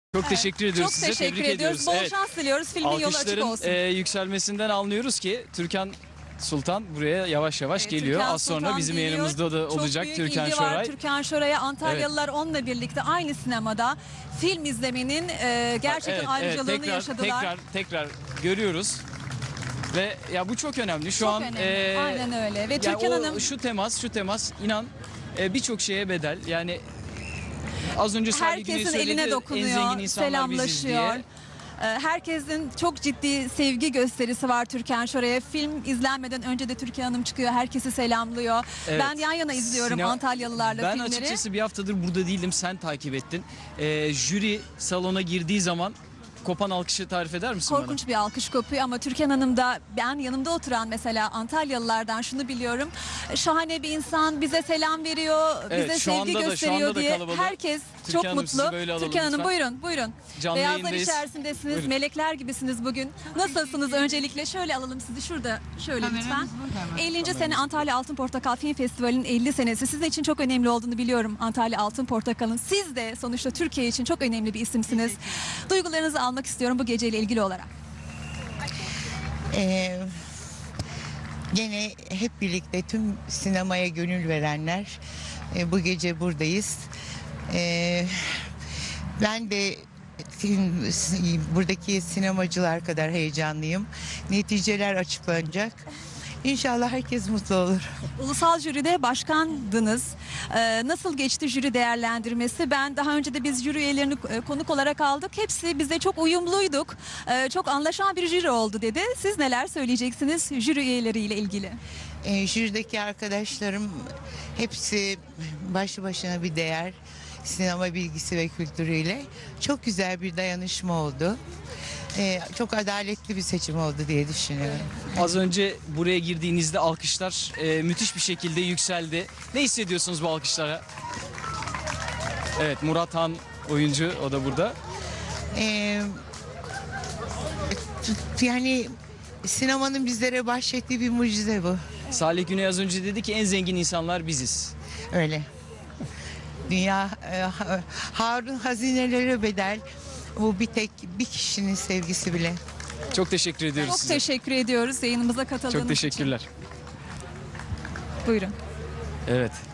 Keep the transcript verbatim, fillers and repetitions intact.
Çok Evet. teşekkür ediyoruz Çok size. teşekkür Tebrik ediyoruz. ediyoruz. Bol Evet. şans diliyoruz. Filmin yolu açık Alkışların olsun. e, yükselmesinden anlıyoruz ki Türkan Sultan buraya yavaş yavaş Evet, geliyor. Türkan Az sonra Sultan bizim geliyor. yanımızda da Çok olacak büyük Türkan ilgi var Şoray. Türkan Şoray'a. Antalyalılar onunla birlikte aynı sinemada film izlemenin e, gerçekten Evet, evet, ayrıcalığını tekrar, yaşadılar. Tekrar tekrar görüyoruz. Ve ya bu çok önemli. Şu Çok an önemli. e, Aynen öyle. Ve ya Türkan o, Hanım şu temas, şu temas inan e, birçok şeye bedel. Yani az önce Salih Güney herkesin söyledi, eline en dokunuyor, zengin insanlar biziz selamlaşıyor. diye. E, Herkesin çok ciddi sevgi gösterisi var Türkan Şoray'a. Film izlenmeden önce de Türkan Hanım çıkıyor, herkesi selamlıyor. Evet. Ben yan yana izliyorum Sinema- Antalyalılarla ben filmleri. açıkçası bir haftadır burada değildim, sen takip ettin. Ee, jüri salona girdiği zaman kopan alkışı tarif eder misin Korkunç bir alkış kopuyor ama Türkan Hanım da, ben yanımda oturan mesela Antalyalılardan şunu biliyorum. Şahane bir insan, bize selam veriyor, Evet, bize şu sevgi anda da- şu gösteriyor anda da diye. kalabalık. Herkes Türkan çok Hanım, mutlu. sizi böyle alalım Türkan Hanım lütfen. buyurun, buyurun. Canlı Beyazlar yayındayız. içerisindesiniz, Buyurun. melekler gibisiniz bugün. Nasılsınız öncelikle? Şöyle alalım sizi şurada, şöyle lütfen. ellinci sene Antalya Altın Portakal Film Festivali'nin elli senesi. Sizin için çok önemli olduğunu biliyorum Antalya Altın Portakal'ın. Siz de sonuçta Türkiye için çok önemli bir isimsiniz. Duygularınızı almak istiyorum bu geceyle ilgili olarak. Ee, Gene hep birlikte tüm sinemaya gönül verenler e, bu gece buradayız. Ee, ben de film- buradaki sinemacılar kadar heyecanlıyım. Neticeler açıklanacak. İnşallah herkes mutlu olur. Ulusal jüride başkandınız. Ee, nasıl geçti jüri değerlendirmesi? Ben daha önce de biz jüri üyelerini e, konuk olarak aldık. Hepsi bize çok uyumluyduk. Ee, çok anlaşan bir jüri oldu dedi. Siz neler söyleyeceksiniz jüri üyeleriyle ilgili? Ee, jürideki arkadaşlarım hepsi başlı başına bir değer. Sinema bilgisi ve kültürüyle. Çok güzel bir dayanışma oldu. Ee, çok adaletli bir seçim oldu diye düşünüyorum. Az önce buraya girdiğinizde alkışlar e, müthiş bir şekilde yükseldi. Ne hissediyorsunuz bu alkışlara? Evet, Murat Han oyuncu, o da burada. Ee, t- yani sinemanın bizlere bahşettiği bir mucize bu. Salih Güney az önce dedi ki en zengin insanlar biziz. Öyle. Dünya e, ha- Harun hazinelere bedel. Bu bir tek bir kişinin sevgisi bile. Çok teşekkür ediyoruz Çok size. teşekkür ediyoruz yayınımıza katıldığınız Çok için. teşekkürler. Buyurun. Evet.